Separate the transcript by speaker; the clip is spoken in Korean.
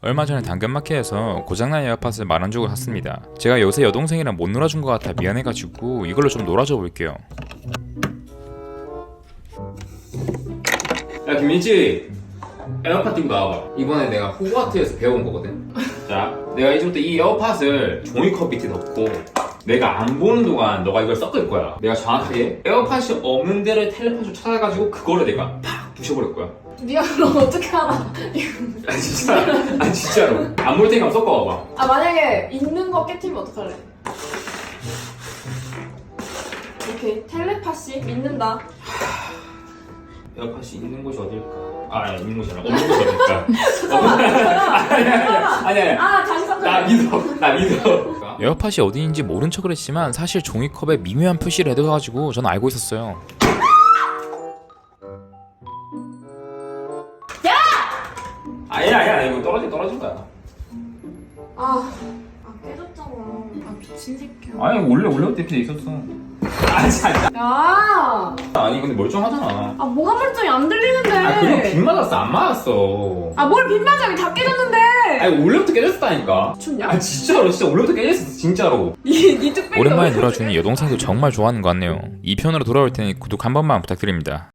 Speaker 1: 얼마 전에 당근마켓에서 고장난 에어팟을 만원 주고 샀습니다. 제가 요새 여동생이랑 못 놀아준 것 같아 미안해가지고 이걸로 좀 놀아줘 볼게요. 야 김민지, 에어팟 들고 나와봐. 이번에 내가 호그와트에서 배운 거거든. 자, 내가 이제부터 이 에어팟을 종이컵 밑에 넣고 내가 안 보는 동안 너가 이걸 섞을 거야. 내가 정확하게 에어팟이 없는 데를 텔레파시로 찾아가지고 그거를 내가 팍 부셔버릴 거야.
Speaker 2: 네가 그럼 어떻게 알아?
Speaker 1: 아 진짜? 아 진짜로. 안 볼 테니까 한번 섞어봐봐.
Speaker 2: 아 만약에 있는 거 깨트리면 어떡할래? 오케이 텔레파시 믿는다.
Speaker 1: 에어팟이 있는 곳이 어딜까? 아니 있는 곳이 아니라 없는 곳이 어딜까?
Speaker 2: 잠깐만.
Speaker 1: 아니
Speaker 2: 아 다시 섞어.
Speaker 1: 나 믿어. 에어팟이 어디인지 모른 척을 했지만 사실 종이컵에 미묘한 표시를 해둬가지고 저는 알고 있었어요. 아니야 이거 떨어진 거야.
Speaker 2: 아 깨졌잖아. 아 미친 새끼야.
Speaker 1: 아니 원래부터 이렇게 돼 있었어. 아 진짜.
Speaker 2: 야.
Speaker 1: 아니 근데 멀쩡하잖아.
Speaker 2: 아 뭐가 멀쩡히 안 들리는데.
Speaker 1: 아 그거 빗 맞았어 안 맞았어.
Speaker 2: 아 뭘 빗맞아 여기 다 깨졌는데.
Speaker 1: 아니 원래부터 깨졌다니까.
Speaker 2: 춥냐?
Speaker 1: 아 진짜로 원래부터 깨졌어 진짜로.
Speaker 2: 니 뚝배기.
Speaker 1: 오랜만에 놀아주니 여동생도 정말 좋아하는 것 같네요. 2편으로 돌아올 테니 구독 한 번만 부탁드립니다.